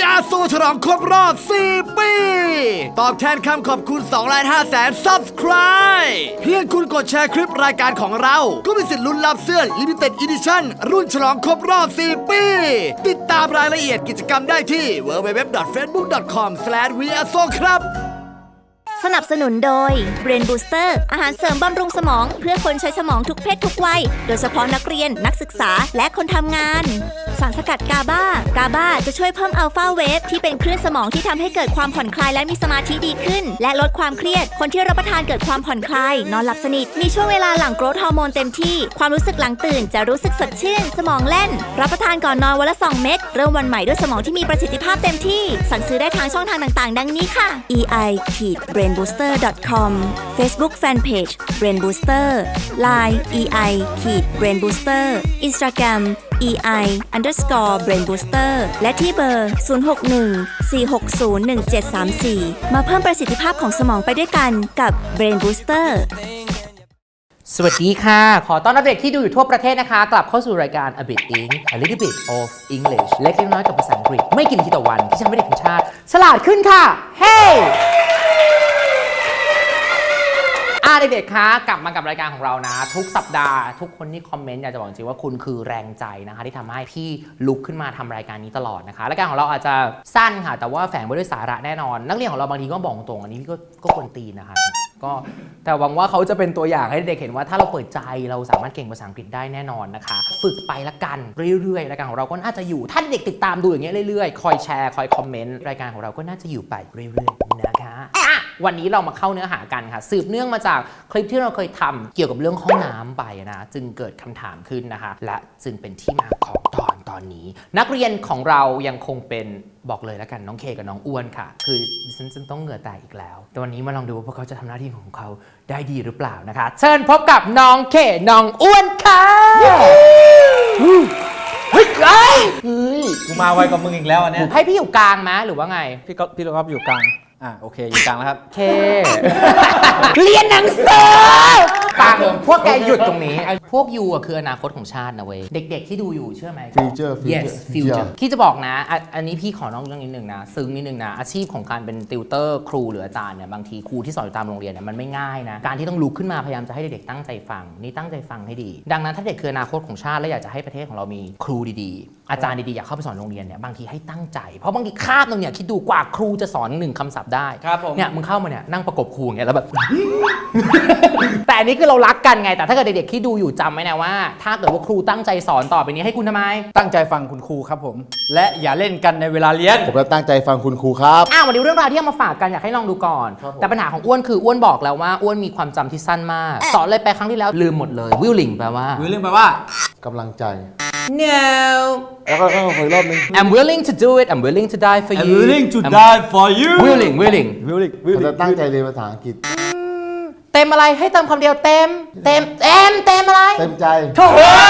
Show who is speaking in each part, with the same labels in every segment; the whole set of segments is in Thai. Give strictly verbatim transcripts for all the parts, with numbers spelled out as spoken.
Speaker 1: อาร์ โซ ฉลองครบรอบสี่ปีตอบแทนคำขอบคุณสองล้านห้าแสน Subscribe เพียงคุณกดแชร์คลิปรายการของเราก็มีสิทธิ์ลุ้นรับเสื้อ Limited Edition รุ่นฉลองครบรอบสี่ปีติดตามรายละเอียดกิจกรรมได้ที่ ดับเบิลยู ดับเบิลยู ดับเบิลยู ดอท เฟซบุ๊ก ดอท คอม สแลช วี อาร์ โซ ครับ
Speaker 2: สนับสนุนโดย Brain Booster อาหารเสริมบำรุงสมองเพื่อคนใช้สมองทุกเพศทุกวัยโดยเฉพาะนักเรียนนักศึกษาและคนทำงานสารสกัดกาบากาบาจะช่วยเพิ่มอัลฟาเวฟที่เป็นคลื่นสมองที่ทำให้เกิดความผ่อนคลายและมีสมาธิดีขึ้นและลดความเครียดคนที่รับประทานเกิดความผ่อนคลายนอนหลับสนิทมีช่วงเวลาหลั่งโกรทฮอร์โมนเต็มที่ความรู้สึกหลังตื่นจะรู้สึกสดชื่นสมองแล่นรับประทานก่อนนอนวันละสองเม็ดเริ่มวันใหม่ด้วยสมองที่มีประสิทธิภาพเต็มที่สั่งซื้อได้ทางช่องทางต่างๆดังนี้ค่ะ อี ไอ บรนบูสเตอร์ ดอท คอม Facebook Fanpage Brain Booster ไลน์ อี ไอ Brain Booster Instagram อี ไอ underscore Brain Booster และที่เบอร์ ศูนย์ หก หนึ่ง สี่ หก ศูนย์ หนึ่ง เจ็ด สาม สี่ มาเพิ่มประสิทธิภาพของสมองไปด้วยกันกับ Brain Booster
Speaker 3: สวัสดีค่ะขอต้อนรับเด็กที่ดูอยู่ทั่วประเทศนะคะกลับเข้าสู่รายการ A Bit Ink A Little Bit of English เล็กน้อยกับภาษาอังกฤษไม่กี่นาทีต่อวันที่ทำให้เด็กของชาติฉลาดขึ้นค่ะเฮ้ hey! อ่าเด็กๆคะกลับมากับรายการของเรานะทุกสัปดาห์ทุกคนที่คอมเมนต์อยากจะบอกจริงว่าคุณคือแรงใจนะคะที่ทำให้พี่ลุกขึ้นมาทำรายการนี้ตลอดนะคะรายการของเราอาจจะสั้นค่ะแต่ว่าแฝงไว้ด้วยสาระแน่นอนนักเรียนของเราบางทีก็บอกตรงอันนี้พี่ก็ก็ควรตีนะคะก็แต่หวังว่าเขาจะเป็นตัวอย่างให้เด็กเห็นว่าถ้าเราเปิดใจเราสามารถเก่งภาษาอังกฤษได้แน่นอนนะคะฝึกไปละกันเรื่อยๆรายการของเราก็น่าจะอยู่ถ้าเด็กติดตามดูอย่างเงี้ยเรื่อยๆคอยแชร์คอยคอมเมนต์รายการของเราก็น่าจะอยู่ไปเรื่อยๆนะคะอ่ะวันนี้เรามาเข้าเนื้อหากันค่ะสืบเนื่องมาจากคลิปที่เราเคยทำเกี่ยวกับเรื่องห้องน้ำไปนะจึงเกิดคำถามขึ้นนะคะและจึงเป็นที่มาของตอนตอนนี้นักเรียนของเรายังคงเป็นบอกเลยแล้วกันน้องเคกับน้องอ้วนค่ะคือฉันจะต้องเหงื่อแตกอีกแล้วแต่วันนี้มาลองดูว่าพวกเขาจะทำหน้าที่ของเขาได้ดีหรือเปล่านะคะเชิญพบกับน้องเคน้องอ้วนค่ะเฮ้ยเฮ้ยเฮ้ย
Speaker 4: กูมาไวกว่ามึงอีกแล้วอันเนี้ย
Speaker 3: ให้พี่อยู่กลางไหมหรือว่าไง
Speaker 4: พี่ก็พี่เราก็อยู่กลางอ่ะโอเคอยู่กลางแล้วครับ
Speaker 3: เคเรียนหนังสือฟังพวกแกหยุดตรงนี้พวกยูอ่ะคืออนาคตของชาตินะเว้ยเด็กๆที่ดูอยู่เชื่อไหม
Speaker 5: future
Speaker 3: yes future ที่จะบอกนะอันนี้พี่ขอนอกเรื่องนิดนึงนะซึ้งนิดนึงนะอาชีพของการเป็นติวเตอร์ครูหรืออาจารย์เนี่ยบางทีครูที่สอนอยู่ตามโรงเรียนเนี่ยมันไม่ง่ายนะการที่ต้องลุกขึ้นมาพยายามจะให้เด็กๆตั้งใจฟังนี่ตั้งใจฟังให้ดีดังนั้นถ้าเด็กคืออนาคตของชาติและอยากจะให้ประเทศของเรามีครูดีๆอาจารย์ดีๆอยากเข้าไปสอนโรงเรียนเนี่ยบางทีให้ตั้งใจเพราะบางทีคาบนึงเนี่ยคิดดูกว่าครูจะสอนหนึ่งคำศัพท์ได้เนี่ยมึงเข้ามาเนี่ยนั่งประกบครูอย่างเงี้ยแล้วแบบ แต่อันนี้คือเรารักกันไงแต่ถ้าเกิดเด็กๆที่ดูอยู่จำไว้นะว่าถ้าเกิดว่าครูตั้งใจสอนต่อไปนี้ให้คุณทำไม
Speaker 4: ตั้งใจฟังคุณครูครับผมและอย่าเล่นกันในเวลาเรียน
Speaker 5: ผมจะตั้งใจฟังคุณครูครับ
Speaker 3: อ้าววันนี้เรื่องราวที่เอามาฝากกันอยากให้ลองดูก่อนแต่ปัญหาของอ้วนคืออ้วนบอกแล้วว่าอ้วนมีความจำที่สั้นมากสอนเลยไปครั้งที่แล้วลืมหมดเลย willing แปลว่า
Speaker 4: willing แปลว่าก
Speaker 5: ำลังใจ
Speaker 3: no
Speaker 5: แล้วก็ขออีกรอบนึง
Speaker 3: I'm willing to do it I'm willing to die for you
Speaker 4: I'm willing to die for you
Speaker 3: willing willing
Speaker 4: willing
Speaker 5: ผมจะตั้งใจเรียนภาษาอังกฤษ
Speaker 3: เต็มอะไรให้เติมคำเดียวเต็มเต็มเต็มเต็มอะไร
Speaker 5: เต็มใจ
Speaker 3: โถ่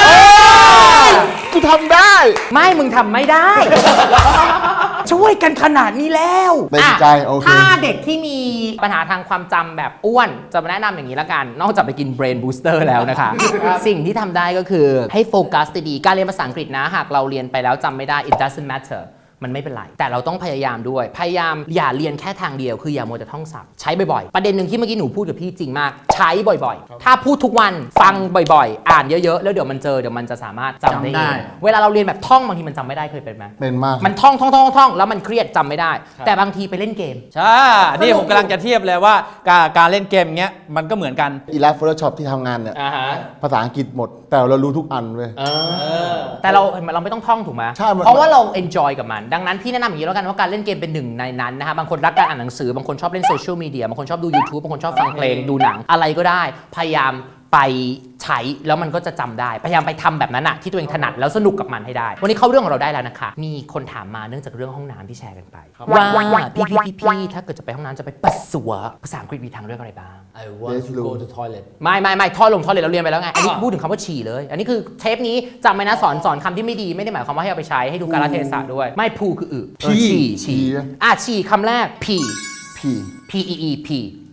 Speaker 5: กูทำได้
Speaker 3: ไม่มึงทำไม่ได้ช่วยกันขนาดนี้แล้ว
Speaker 5: เต็มใจโอเค
Speaker 3: ถ้าเด็กที่มีปัญหาทางความจำแบบอ้วนจะมาแนะนำอย่างนี้ละกันนอกจากไปกิน Brain Booster แล้วนะคะ สิ่งที่ทำได้ก็คือให้โฟกัสดีๆการเรียนภาษาอังกฤษนะหากเราเรียนไปแล้วจำไม่ได้ it doesn't matterมันไม่เป็นไรแต่เราต้องพยายามด้วยพยายามอย่าเรียนแค่ทางเดียวคืออย่ามัวแต่ท่องศัพท์ใช้บ่อยๆประเด็นหนึ่งที่เมื่อกี้หนูพูดกับพี่จริงมากใช้บ่อยๆถ้าพูดทุกวันฟังบ่อยๆอ่านเยอะๆแล้วเดี๋ยวมันเจอเดี๋ยวมันจะสามารถจำได้เองเวลาเราเรียนแบบท่องบางทีมันจำไม่ได้เคยเป็นไหม
Speaker 5: เป็นมาก
Speaker 3: มันท่องท่องท่องท่องแล้วมันเครียดจำไม่ได้แต่บางทีไปเล่นเกม
Speaker 4: ใช่นี่ผมกำลังจะเทียบเลยว่าการการเล่นเกมเงี้ยมันก็เหมือนกัน
Speaker 5: อีลัสโฟโต้ช็อปที่ทำงานเนี่ยภาษาอังกฤษหมดแต่เรารู้ทุกอันเว้ย
Speaker 3: แต่เราเราไม่ต้องท่องถูกไหมเพราะว่าเรา enjoy กับมันดังนั้นพี่แนะนำอย่างนี้แล้วกันว่าการเล่นเกมเป็นหนึ่งในนั้นนะคะบางคนรักการอ่านหนังสือบางคนชอบเล่นโซเชียลมีเดียบางคนชอบดู YouTube บางคนชอบฟังเพลงดูหนังอะไรก็ได้พยายามไปใช้แล้วมันก็จะจำได้พยายามไปทำแบบนั้นอะที่ตัวเองถนัดแล้วสนุกกับมันให้ได้วันนี้เข้าเรื่องของเราได้แล้วนะคะมีคนถามมาเนื่องจากเรื่องห้องน้ำที่แชร์กันไปว่าพี่พี่พี่พี่ถ้าเกิดจะไปห้องน้ำจะไปปัสสาวะภาษาอังกฤษมีทางเลือกอะไรบ้าง
Speaker 4: I want to go to toilet
Speaker 3: ไม่ไม่ไม่ท่อลงท่อเลยเราเรียนไปแล้วไงอันนี้พูดถึงคำว่าฉี่เลยอันนี้คือเทปนี้จำไว้นะสอนสอนคำที่ไม่ดีไม่ได้หมายความว่าให้เอาไปใช้ให้ดูกาลเทศะด้วยไม่พูคืออึฉี่ฉี่อ่ะฉี่คำแรก p
Speaker 5: p
Speaker 3: p e e p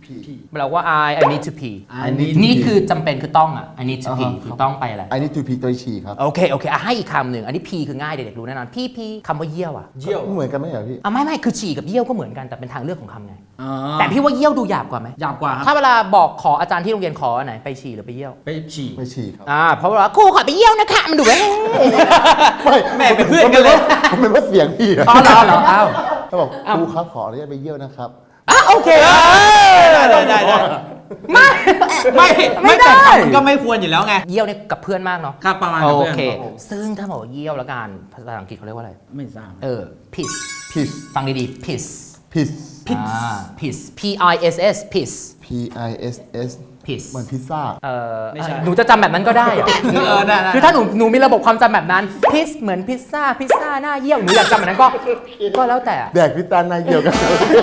Speaker 5: pee
Speaker 3: แปลว่า I I need to pee
Speaker 5: I need to
Speaker 3: นี่
Speaker 5: pee
Speaker 3: คือจำเป็นคือต้องอ่ะ I need to
Speaker 5: อ่า
Speaker 3: pee
Speaker 5: ฮะ
Speaker 3: คือต้องไปอะไร
Speaker 5: I need to pee ตัวฉี่ครับ
Speaker 3: โอเค โอเคอ่ะให้อีกคำหนึ่งอันนี้ pee คือง่ายเด็กๆรู้แน่นอน pee pee คำว่าเยี่ยวอ่ะ
Speaker 4: เยี่ยว
Speaker 5: เหมือนกันไหมเหรอพี่
Speaker 3: อ่ะไม่ไม่คือฉี่กับเยี่ยวก็เหมือนกันแต่เป็นทางเลือกของคำไง
Speaker 4: อ๋อ
Speaker 3: แต่พี่ว่าเยี่ยวดูหยาบกว่าไหม
Speaker 4: หยาบกว่าครับ
Speaker 3: ถ้าเวลาบอกขออาจารย์ที่โรงเรียนขออันไหนไปฉี่หรือไปเยี่ยว
Speaker 4: ไปฉี่
Speaker 5: ไม่ฉี่ครับ
Speaker 3: อ่าเพราะว่าครูขอไปเยี่ยวนะคะมันดูแบบ
Speaker 5: ไม่
Speaker 4: แม่เป็นเพื่อนกันเลย
Speaker 5: ผมเป็นว่าเสียงพี่นะ
Speaker 3: อ๋อเหรอเหรออ้าว
Speaker 5: เขาบอกครูครับขออนุญาตไปเยี่ยวนะครับ
Speaker 3: อ่ะโอเค
Speaker 4: ได้ได้ได้ได้
Speaker 3: ไม่
Speaker 4: ไม่
Speaker 3: ไม่
Speaker 4: ไม่
Speaker 3: ได้
Speaker 4: แต่มันก็ไม่ควรอยู่แล้วไง
Speaker 3: เยี่ยวเนี่ยกับเพื่อนมากเนาะ
Speaker 4: ครับประมาณ
Speaker 3: โอ
Speaker 4: กับพื่น
Speaker 3: เค
Speaker 4: รับผม
Speaker 3: ซึ่งถ้าบอกว่าเยี่ยวแล้วกันภาษาอังกฤษเขาเรียกว่าอะไร
Speaker 4: ไม่ทราบ
Speaker 3: เออ piss
Speaker 5: piss
Speaker 3: ฟังดีๆ piss
Speaker 5: piss
Speaker 3: อ่า piss p i s s piss
Speaker 5: p i s s
Speaker 3: piss
Speaker 5: เหมือนพิซซ่า
Speaker 3: เออ
Speaker 4: ไม่ใช่
Speaker 3: หนูจะจำแบบนั้นก็ได้เหรอ
Speaker 4: เออได้ได้
Speaker 3: คือถ้าหนูหนูมีระบบความจำแบบนั้น piss เหมือนพิซซ่าพิซซ่าหน้าเยี่ยวหนูอยากจำแบบนั้นก็ก็แล้วแต่
Speaker 5: แดกพิซซ่าหน้าเยี่ยวกัน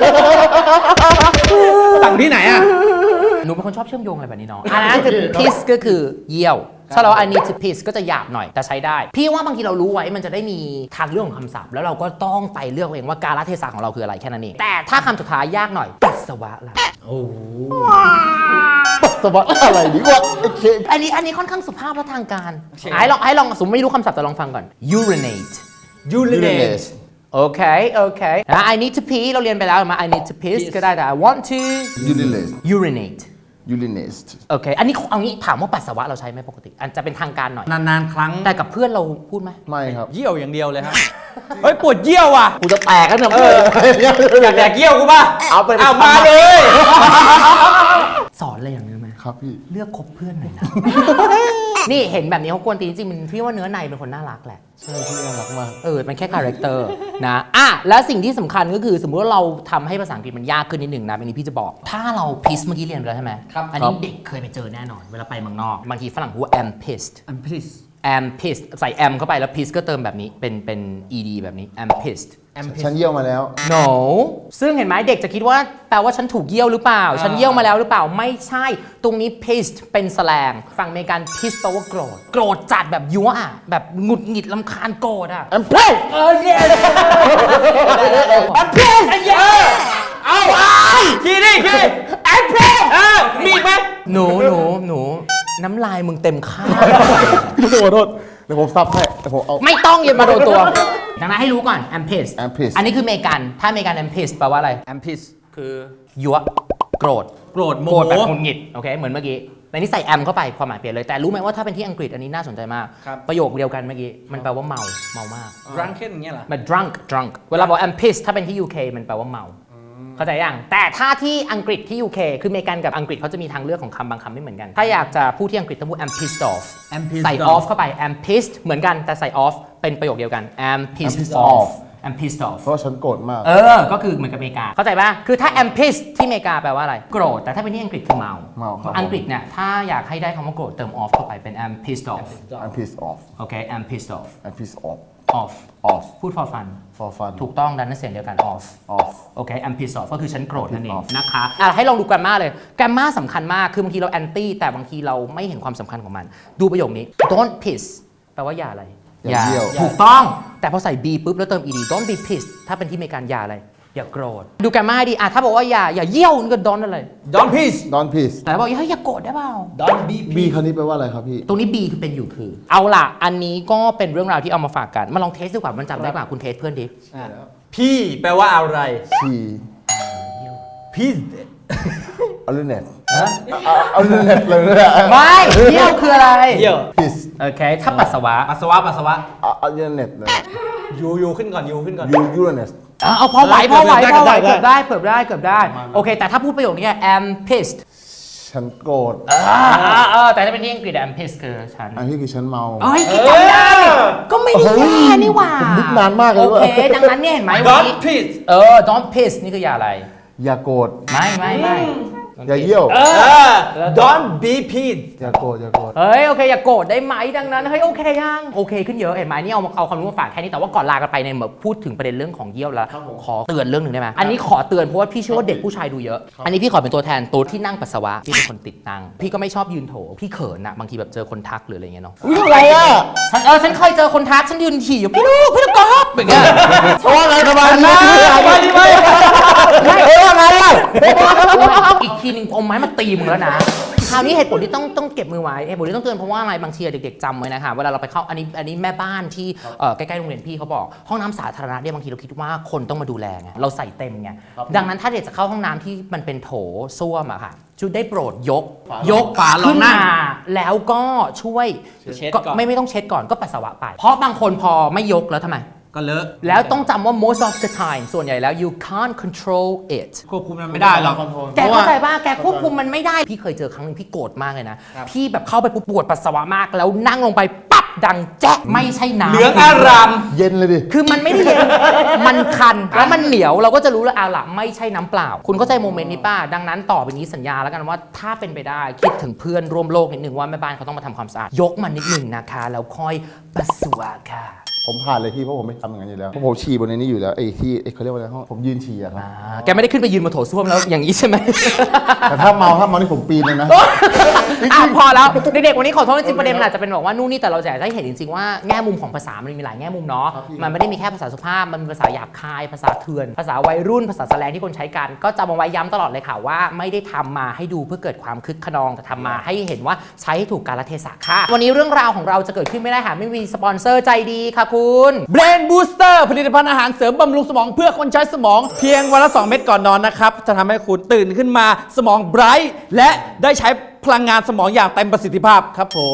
Speaker 4: สั่งที่ไหนอ่ะ
Speaker 3: หนูเป็นคนชอบเชื่อมโยงอะไรแบบนี้เนาะอันนั้นคือ piss ก็คือเยี่ยวถ้าเรา I need to piss ก็จะหยาบหน่อยแต่ใช้ได้ พี่ว่าบางทีเรารู้ไว้มันจะได้มีทางเรื่องของคำศัพท์ แล้วเราก็ต้องไปเลือกเองว่ากาลเทศะของเราคืออะไรแค่นั้นเองแต่ถ้าคำสุดท้ายยากหน่อยปัสสาวะล่ะ
Speaker 4: โอ้โห
Speaker 5: ปัสสาวะอะไรดีวะโอเค
Speaker 3: อันนี้อันนี้ค่อนข้างสุภาพและทางการไอ้ลองไอ้ลองสมมติไม่รู้คำศัพท์แต่ลองฟังก่อน urinate
Speaker 4: ยูริเน
Speaker 5: urinate
Speaker 3: โอเคโอเคนะ I need to pee เราเรียนไปแล้วมา I need to piss ก็ได้แต่ I want to
Speaker 5: urinate
Speaker 3: urinate
Speaker 5: urinate
Speaker 3: โอเค อันนี้เอางี้ถามว่าปัสสาวะเราใช้ไหมปกติ อันจะเป็นทางการหน่อย
Speaker 4: นานๆครั้ง
Speaker 3: แต่กับเพื่อนเราพูดไหม
Speaker 5: ไม่ครับ
Speaker 4: เยี่ยวอย่างเดียวเลยครับ เฮ้ยปวดเยี่ยวว่ะ
Speaker 5: กูจะแตกกันเนี่ย
Speaker 4: เออ อยากแดกเยี่ยวกูป่ะ
Speaker 5: เอาไป
Speaker 4: เอามาเลย
Speaker 3: สอนอะไรอย่างนี้ไหม
Speaker 5: ครับพี่
Speaker 3: เลือกคบเพื่อนหน่อยนะ นี่เห็นแบบนี้เขากวนตีนจริงๆมันพี่ว่าเนื้อในเป็นคนน่ารักแหละ
Speaker 5: ใช่พี่น่ารักมาก
Speaker 3: เออ มันแค่คาแรคเตอร์นะอ่ะแล้วสิ่งที่สำคัญก็คือสมมุติว่าเราทำให้ภาษาอังกฤษมันยากขึ้นนิดหนึ่งนะเป็นนี้พี่จะบอก ถ้าเราพิสเมื่อกี้เรียนไปแล้วใช่ไหม
Speaker 4: ครับ
Speaker 3: อันนี้เด็กเคยไปเจอแน่นอน เวลาไปเมืองนอก บางทีฝรั่งพูดว่า am pissed
Speaker 4: อันพิส
Speaker 3: am pissed ใส่ am เข้าไปแล้ว piss ก็เติมแบบนี้เป็นเป็น ed แบบนี้ am pissed
Speaker 4: แอมพิส
Speaker 5: ฉันเยี่ยวมาแล้ว
Speaker 3: no ซึ่งเห็นไหมเด็กจะคิดว่าแปลว่าฉันถูกเยี่ยวหรือเปล่า ฉันเยี่ยวมาแล้วหรือเปล่าไม่ใช่ ตรงนี้ pissed เป็นแสลงฝั่งอเมริกัน piss แปลว่าโกรธโกรธจัดแบบยั่วอะแบบหงุดหงิดลำคาญโกรธอะ
Speaker 5: I'm proud
Speaker 3: เออเย้ I'm pissed เย้เอา
Speaker 4: ขี้ดิขี้
Speaker 3: I'm pissed
Speaker 4: เออมีอีกไหม
Speaker 3: หนูหนูหนูน้ำลายมึงเต็มข้าว
Speaker 5: พี่ขอโทษเดี๋ยวผมซับให้เดี๋ยวผมเอา
Speaker 3: ไม่ต้องอย่ามาโดนตัว ดังนั้นให้รู้ก่อน I'm pissed
Speaker 5: I'm pissed
Speaker 3: อันนี้คืออเมริกัน ถ้าอเมริกัน I'm pissed แปลว่าอะไร
Speaker 4: แอมพิสคือ
Speaker 3: ยั่วโกรธ
Speaker 4: โกรธโม
Speaker 3: โกรธ
Speaker 4: โห
Speaker 3: แบบหงุดหงิดโอเคเหมือนเมื่อกี้แต่นี่ใส่ am เข้าไปความหมายเปลี่ยนเลย แต่รู้ไหมว่าถ้าเป็นที่อังกฤษอันนี้น่าสนใจมาก
Speaker 4: ครับ
Speaker 3: ประโยคเดียวกันเมื่อกี้ มันแปลว่าเมาเมามาก
Speaker 4: รังเค้นอย่างเงี้ยเหรอ
Speaker 3: มัน drunk drunk เวลาบอก I'm pissed ถ้าเป็นที่ ยู เค มันแปลว่าเมา เข้าใจยังแต่ถ้าที่อังกฤษที่ ยู เค คืออเมริกันกับอังกฤษเขาจะมีทางเลือกของคำบางคำไม่เหมือนกัน ถ้าอยากจะพูดที่อังกฤษต้องพูด I'm pissed off
Speaker 4: I'm pissed
Speaker 3: ใส่
Speaker 4: off
Speaker 3: off เข้าไป I'm pissed เหมือนกันแต่ใส่ off เป็นประโยคเดียวกัน I'm pissed
Speaker 5: pissed
Speaker 3: off
Speaker 5: off
Speaker 3: I'm pissed off
Speaker 5: เพราะว่าฉันโกรธมาก
Speaker 3: เออ ก็คือเหมือนกับอเมริกา เข้าใจป่ะ คือถ้า am pissed ที่อเมริกาแปลว่าอะไร โกรธ แต่ถ้าเป็นที่อังกฤษคือเมา
Speaker 5: เมาครับ
Speaker 3: อังกฤษเนี่ย ถ้าอยากให้ได้คำว่าโกรธเติม off เข้าไปเป็น am pissed off
Speaker 5: I'm pissed off
Speaker 3: โอเค am pissed off
Speaker 5: I'm pissed off
Speaker 3: off
Speaker 5: off
Speaker 3: พูด for fun
Speaker 5: for fun
Speaker 3: ถูกต้องดันนั้นเสียงเดียวกัน off
Speaker 5: off
Speaker 3: โอเค am pissed off ก็คือฉันโกรธนั่นเอง
Speaker 5: off
Speaker 3: นะคะอ่ะให้ลองดู grammar เลย grammar สำคัญมาก คือบางทีเรา anti แต่บางทีเราไม่เห็นความสำคัญของมัน ดูประโยคนี้ don't piss แปลว่าอย่าอะไร
Speaker 5: อย่าเยี่ยว
Speaker 3: ถูกต้อง แต่พอใส่ be ปุ๊บแล้วเติม ed don't be pissed ถ้าเป็นที่อเมริกันอย่าอะไร อย่าโกรธ ดู grammar ให้ดีอ่ะถ้าบอกว่าอย่าอย่าเยี่ยวนี่ก็ don't อะไร
Speaker 4: ดอนพิส
Speaker 5: don't piss
Speaker 3: แต่บอกอย่าอย่าโกรธได้เปล่า
Speaker 4: ดอนบี
Speaker 5: B คำนี้แปลว่าอะไรครับพี่
Speaker 3: ตรงนี้ B คือเป็นอยู่คือ เอาล่ะ อันนี้ก็เป็นเรื่องราวที่เอามาฝากกัน มาลองเทสดูกว่ามันจำได้กว่าคุณเทสเพื่อนดิ
Speaker 4: พี่แปลว่าอะไร
Speaker 5: ฉี่
Speaker 4: พิส
Speaker 5: urinate เอา urinate เลยนะ
Speaker 3: ไม่เยี่ยวคืออะไร
Speaker 4: เยี่ยว
Speaker 5: piss
Speaker 3: โอเค ถ้าปัสสาวะ
Speaker 4: ปัสสาวะปัสสาวะ
Speaker 5: เอา urinate เลย
Speaker 4: ยูยูขึ้นก่อนยูขึ้นก่อน
Speaker 5: U urinate
Speaker 3: อ่ะเอาพอไหวพอไหว
Speaker 4: ได้
Speaker 3: พอไหว
Speaker 4: ได้
Speaker 3: เกือบได้เกือบได้เกือบได้ โอเค แต่ถ้าพูดประโยคนี้ am pissed
Speaker 5: ฉันโกรธ
Speaker 3: อ่าเออแต่ถ้าเป็นที่อังกฤษ am pissed คือฉัน
Speaker 5: อันนี้คือฉันเมา
Speaker 3: เอ้ยจำได้ ก็ไม่ได้แย่นี่หว่า
Speaker 5: ผมนึกนานมากเลย
Speaker 3: โอ
Speaker 5: ว่า
Speaker 3: เค ดังนั้นเนี่ยเห็นไหม
Speaker 4: ด
Speaker 3: วั
Speaker 4: อน น
Speaker 3: นี้
Speaker 4: พิส
Speaker 3: เออ don't piss นี่คืออย่าอะไร
Speaker 5: อย่าโกรธ
Speaker 3: ไม่ไม่ไม่
Speaker 5: อย่าเยี่ยว
Speaker 4: เออดอนบีพิส
Speaker 5: อย่าโกรธอย่าโกรธ
Speaker 3: เฮ้ย โอเค อย่าโกรธได้ไหมดังนั้น เฮ้ย โอเคยัง โอเคขึ้นเยอะ เห็นไหมนี่เอาเอาความรู้มาฝากแค่นี้ แต่ว่าก่อนลากันไปเนี่ยเหมือนพูดถึงประเด็นเรื่องของเยี่ยวแล้ว ขอเตือนเรื่องหนึ่งได้ไหมอันนี้ขอเตือนเพราะว่าพี่เชื่อว่าเด็กผู้ชายดูเยอะ อันนี้พี่ขอเป็นตัวแทนตัวที่นั่งปัสสาวะพี่เป็นคนติดนั่งพี่ก็ไม่ชอบยืนโถพี่เขินนะบางทีแบบเจอคนทักหรืออะไรเงี้ยเนาะ
Speaker 5: วิ่งอะไรอ่ะ
Speaker 3: ฉันเออฉันเคยเจอคนทักฉันยืนถี่อยู่พี่ลูกพี่ลูกกอล์ฟอย่างเงี้ย
Speaker 5: เพราะว่าอะไรสบายดี
Speaker 3: สบายดีไหม
Speaker 5: ไม่เออไงล่ะ
Speaker 3: อีกทีนึงเอาไม้มาตีมึงแล้วนะคราวนี้เหตุผลที่ต้องต้องเก็บมือไว้เหตุผลที่ต้องเตือนเพราะว่าอะไรบางทีเด็กๆจำไว้นะคะเวลาเราไปเข้าอันนี้อันนี้แม่บ้านที่เอ่อใกล้ๆโรงเรียนพี่เขาบอกห้องน้ำสาธารณะเนี่ยบางทีเราคิดว่าคนต้องมาดูแลไงเราใส่เต็มไงดังนั้นถ้าเด็กจะเข้าห้องน้ำที่มันเป็นโถส้วมอะค่ะชุดได้โปรดยกยก
Speaker 4: ฝาลง
Speaker 3: ขึ้น
Speaker 4: นั่
Speaker 3: มาง แล้วก็ช่วย
Speaker 4: เช็ดก่อน
Speaker 3: ไม่ไม่ต้องเช็ดก่อนก็ปัสสาวะไปเพราะบางคนพอไม่ยกแล้วทำไม
Speaker 4: ก็เลอะ
Speaker 3: แล้วต้องจำว่า most of the time ส่วนใหญ่แล้ว you can't control it
Speaker 4: ควบคุมมันไม่ได้หรอก
Speaker 3: แกเข้าใจป่ะแกควบคุมมันไม่ได้ พี่เคยเจอครั้งหนึงพี่โกรธมากเลยนะ พี่แบบเข้าไปปุ๊บปวดปัสสาวะมาก แล้วนั่งลงไปปั๊บดังแจ๊ะไม่ใช่น้ำ
Speaker 4: เหลืองอาราม
Speaker 5: เย็นเลยดิ
Speaker 3: คือมันไม่ได้เย็น มันคัน แล้วมันเหนียว เราก็จะรู้แล้วเอาล่ะไม่ใช่น้ำเปล่า คุณเข้าใจโมเมนต์นี้ป่ะ ดังนั้นต่อไปนี้สัญญาแล้วกันว่าถ้าเป็นไปได้คิดถึงเพื่อนร่วมโลกนิดนึงว่าแม่บ้านเขาต้องมาทำความสะอาด ยกมันนิดนึงนะคะ แล้วค่อยปัสสาวะค่ะ
Speaker 5: ผมผ่านเลยพี่เพราะผมไม่ทำอย่างนั้นอยู่แล้วเพราะผมฉี่บนในนี้อยู่แล้วไอ้ที่ไอ้เขาเรียกว่าอะไรห้องผมยืนฉี่อะครับ
Speaker 3: อ่าแกไม่ได้ขึ้นไปยืนบนโถส้วมแล้วอย่างนี้ใช่ไหม
Speaker 5: แต่ถ้าเมาถ้าเมานี่ผมปีนเลยนะ
Speaker 3: อ่ะพอแล้วเด็กๆวันนี้ขอโทษจริงๆประเด็นมันอาจจะเป็นบอกว่านู่นนี่แต่เราอยากให้เห็นจริงๆว่าแง่มุมของภาษามันมีหลายแง่มุมเนาะ
Speaker 5: ครับพี่
Speaker 3: มันไม่ได้มีแค่ภาษาสุภาพมันมีภาษาหยาบคายภาษาเถื่อนภาษาวัยรุ่นภาษาแสลงที่คนใช้กันก็จำเอาไว้ย้ำตลอดเลยค่ะว่าไม่ได้ทำมาให้ดูเพื่อเกิดความคึกขนองแต่ทำมาให้เห็นว่าใช้ให้ถูกกาลเทศะค่ะวันนี้เรื่องราวของเราจะเกิดขึ้นไม่ได้หากไม่มีสปอนเซอร์ใจดีค่ะคุณ
Speaker 4: Brain Booster ผลิตภัณฑ์อาหารเสริมบำรุงสมองเพื่อคนใช้สมองเพียงวันละ สอง เม็ดก่อนนอนนะครับ จะทำให้คุณตื่นขึ้นมาสมองไบรท์และได้ใช้พลังงานสมองอย่างเต็มประสิทธิภาพครับผม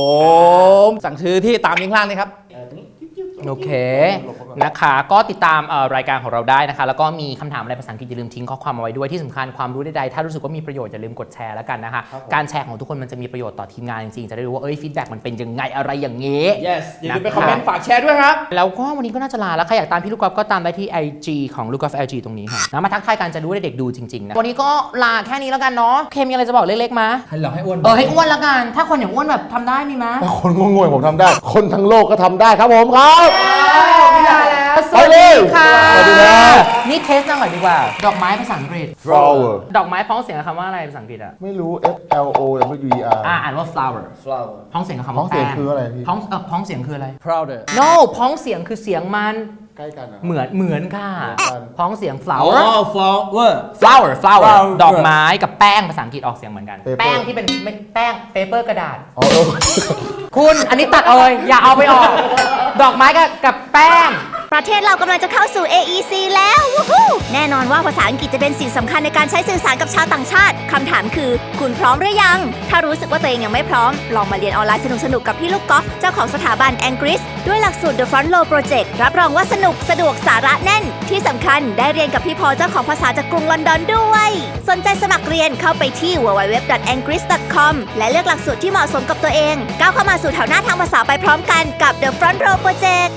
Speaker 4: สั่งซื้อที่ตามลิงก์ล่างนี้ครับ
Speaker 3: โอเคนะคะก็ติดตามเอ่อรายการของเราได้นะคะแล้วก็มีคำถามอะไรภาษาอังกฤษอย่าลืมทิ้งข้อความเอาไว้ด้วยที่สำคัญความรู้ใดๆถ้ารู้สึกว่ามีประโยชน์อย่าลืมกดแชร์แล้วกันนะคะการแชร์ของทุกคนมันจะมีประโยชน์ต่อทีมงานจริงๆจะได้รู้ว่าเอ้ยฟีดแบ็กมันเป็นยังไงอะไรอย่างเงี้
Speaker 4: yes อย่าลืมไปคอมเมนต์ฝากแชร์ด้วยครับ
Speaker 3: แล้วก็วันนี้ก็น่าจะลาแล้วใครอยากตามพี่ลูกกอล์ฟก็ตามได้ที่ ไอ จี ของลูกกอล์ฟ แอล จี ตรงนี้ค่ะนะมาทักทายกันจะรู้ว่าเด็กๆดูจริงๆนะวันนี้ก็ลาแค่นี้แล้วกันเนาะเคมีอะไรจะบอกเล็กๆมา
Speaker 4: ให้เราให้อ้วน
Speaker 3: เออให้อ้วนแล้วกันถ้าคนอย่างอ้วนแบบทำได้มีมั้ย
Speaker 5: ถ้าคนโง่ๆผมทำได้ คนทั้งโลกก็ทำได้ครับผมครับ
Speaker 3: ไม่ได้แล้วส
Speaker 5: ไป
Speaker 3: วัส
Speaker 5: เล
Speaker 3: ดี
Speaker 5: ย
Speaker 3: ค่ะ
Speaker 5: สวัสดีครับ
Speaker 3: นี่เทสหน่อยดีกว่า ดอกไม้ภาษาอังกฤษ
Speaker 5: flower
Speaker 3: ดอกไม้พ้องเสียงกับคำว่าอะไรภาษาอังกฤษอ่ะ
Speaker 5: ไม่รู้ F L O W E R
Speaker 3: อ่าอ่านว่า flower flower พ้องเสียงกับคำ
Speaker 5: พ้
Speaker 3: ว่า
Speaker 5: องเสียง
Speaker 3: แป้
Speaker 5: คืออะไรพี่
Speaker 3: พ้องเออพ้องเสียงคืออะไร
Speaker 4: prouder
Speaker 3: no พ้องเสียงคือเสียงมัน
Speaker 5: ใกล้กันนะ
Speaker 3: เหมือนเหมือนค่ะ
Speaker 5: เหมือนกัน
Speaker 3: พ้องเสียง
Speaker 4: อ๋อ
Speaker 3: flower
Speaker 4: flower
Speaker 3: flower flower
Speaker 4: flower
Speaker 3: ดอกไม้กับแป้งภาษาอังกฤษออกเสียงเหมือนกัน
Speaker 5: Paper
Speaker 3: แป้งที่เป็นไม่แป้ง paper กระดาษ
Speaker 5: อ๋อเออ
Speaker 3: คุณอันนี้ตัดเลยอย่าเอาไปออก ดอกไม้กับกับแป้ง
Speaker 2: ประเทศเรากำลังจะเข้าสู่ เอ อี ซี แล้ววู้ฮู้แน่นอนว่าภาษาอังกฤษจะเป็นสิ่งสำคัญในการใช้สื่อสารกับชาวต่างชาติ คำถามคือ คุณพร้อมหรือยัง ถ้ารู้สึกว่าตัวเองยังไม่พร้อม ลองมาเรียนออนไลน์สนุกๆ กับพี่ลูกกอล์ฟเจ้าของสถาบัน Angris ด้วยหลักสูตร The Front Row Project รับรองว่าสนุกสะดวกสาระแน่น ที่สำคัญได้เรียนกับพี่พอเจ้าของภาษาจากกรุงลอนดอนด้วย สนใจสมัครเรียนเข้าไปที่ ดับเบิลยู ดับเบิลยู ดับเบิลยู ดอท แองกริส ดอท คอม และเลือกหลักสูตรที่เหมาะสมกับตัวเองก้าวเข้ามาสู่แถวหน้าทางภาษาไปพร้อมกันกับ The Front Row Project